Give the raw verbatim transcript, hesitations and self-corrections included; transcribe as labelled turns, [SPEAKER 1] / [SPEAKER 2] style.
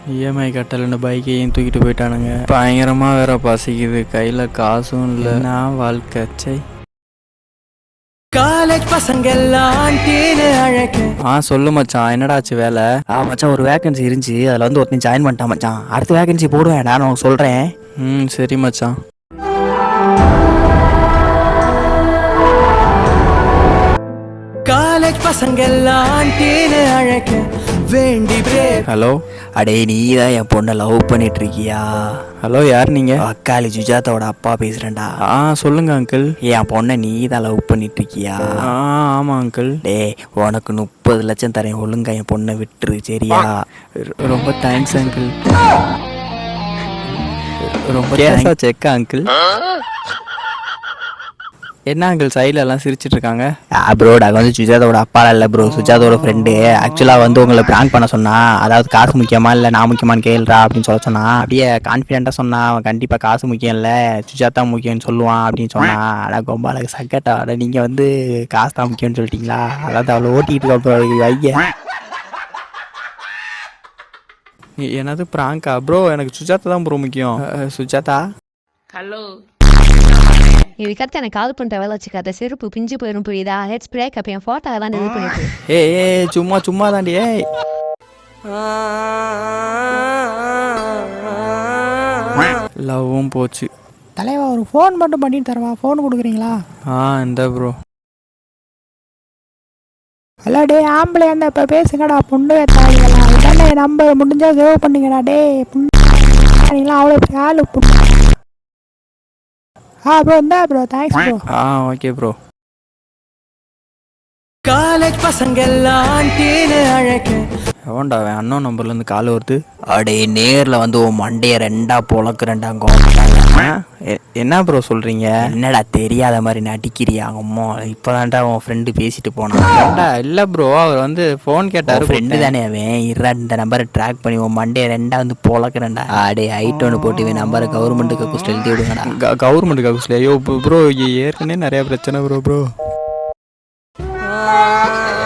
[SPEAKER 1] EMI கட்டலன்னு பைக்கையும் தூக்கிட்டு போயிட்டானுங்க. பயங்கரமாக வேற பசிக்குது, கையில் காசும் இல்லை. நான் வாழ்க்கை சை. காலேஜ் பசங்க எல்லாம் அழைக்க. ஆ சொல்லு மச்சான், என்னடாச்சு வேலை?
[SPEAKER 2] ஆ மச்சான், ஒரு வேகன்சி இருந்துச்சு, அதில் வந்து ஒருத்தன் ஜாயின் பண்ணிட்டான் மச்சான். அடுத்த வேகன்சி போடுவேன், நான் உனக்கு சொல்கிறேன்.
[SPEAKER 1] ம் சரி மச்சான். காலேஜ் பசங்க எல்லாம் அழைக்க வேண்டி. ஹலோ,
[SPEAKER 2] அடே நீ தான் என் பொண்ணை லவ் பண்ணிட்டு இருக்கியா?
[SPEAKER 1] ஹலோ, யார் நீங்க?
[SPEAKER 2] அக்காளி சுஜாதாவோட அப்பா பேசுறேன்டா.
[SPEAKER 1] ஆ சொல்லுங்க அங்கிள்.
[SPEAKER 2] என் பொண்ணை நீ தான் லவ் பண்ணிட்டு இருக்கியா?
[SPEAKER 1] ஆ ஆமா அங்கிள்.
[SPEAKER 2] டே உனக்கு முப்பது லட்சம் தரேன், ஒழுங்கா என் பொண்ணை விட்டுரு சரியா?
[SPEAKER 1] ரொம்ப தேங்க்ஸ் அங்கிள். ரொம்ப கேஸா செக்கா அங்கிள்? என்ன அங்கிள் சைடில் எல்லாம் சிரிச்சிட்டு இருக்காங்க?
[SPEAKER 2] ப்ரோ, நாங்கள் வந்து சுஜாதாவோட அப்பா இல்லை ப்ரோ, சுஜாதாவோட ஃப்ரெண்டு. ஆக்சுவலாக வந்து உங்களை ப்ராங்க் பண்ண சொன்னா, அதாவது காசு முக்கியமா இல்லை நான் முக்கியமானு கேள்றா அப்படின்னு சொல்ல சொன்னா. அப்படியே கான்ஃபிடென்ட்டாக சொன்னா, அவன் கண்டிப்பாக காசு முக்கியம் இல்லை சுஜாதா முக்கியம்னு சொல்லுவான் அப்படின்னு சொன்னா. ஆனால் ரொம்ப அழகு சக்கட்டா. அட நீங்கள் வந்து காசு தான் முக்கியம்னு சொல்லிட்டீங்களா? அதாவது அவளை ஓட்டிகிட்டு இருக்க ஐயா.
[SPEAKER 1] என்னது ப்ராங்கா ப்ரோ? எனக்கு சுஜாதா தான் ப்ரோ முக்கியம். சுஜாதா
[SPEAKER 3] ஹலோ,
[SPEAKER 4] இதுக்கடுத்து எனக்கு கால் பண்ணுற வேலை வச்சுக்காத, செருப்பு பிஞ்சு போயிடும் புரியுதா? ஹெட் ஸ்ப்ரேக் அப்போ என் ஃபோட்டோ எல்லாம் இது பண்ணிட்டு.
[SPEAKER 1] ஏ ஏ சும்மா சும்மா தாண்டி. ஏய் லவ்வும் போச்சு.
[SPEAKER 2] தலைவா, ஒரு ஃபோன் மட்டும் பண்ணிட்டு தரவா? ஃபோன் கொடுக்குறீங்களா?
[SPEAKER 1] ஆ இந்த ப்ரோ.
[SPEAKER 2] ஹலோ டே, ஆம்பளை அந்த இப்போ பேசுங்கடா. பொண்ணு தாங்களா இதானே நம்பர் முடிஞ்சா சேவ் பண்ணுங்கடா. டே பொண்ணு அவ்வளோ ஆளு பொண்ணு. ஆ ப்ரோ, இந்தா ப்ரோ, தேங்க்ஸ் ப்ரோ.
[SPEAKER 1] ஆ ஓகே ப்ரோ. காலேஜ் பசங்க எல்லாம் அழைக்க. எவன்டா அவன்? அண்ணன் நம்பர்லேருந்து கால் வருது.
[SPEAKER 2] அடே நேரில் வந்து உன் மண்டையை ரெண்டா பொழக்கிறேன்டாங்க.
[SPEAKER 1] என்ன ப்ரோ சொல்கிறீங்க?
[SPEAKER 2] என்னடா தெரியாத மாதிரி நடிக்கிறியா? அம்மா இப்போதான்டா உன் ஃப்ரெண்டு பேசிட்டு போனான்டா.
[SPEAKER 1] இல்லை ப்ரோ, அவர் வந்து ஃபோன் கேட்டார்.
[SPEAKER 2] ஃப்ரெண்டு தானே அவன். இருடா, இந்த நம்பரை ட்ராக் பண்ணி உன் மண்டையை ரெண்டா வந்து பொழக்கிறேன்டா. அடே ஹைட் ஒன்று போட்டு இவன் நம்பரை கவர்மெண்ட்டுக்கு குஸ்ட் எழுதி விடுங்கடா.
[SPEAKER 1] கவர்மெண்ட்டுக்கு குஸ்ட்? ஐயோ ப்ரோ, ஏற்கனவே நிறையா பிரச்சனை ப்ரோ ப்ரோ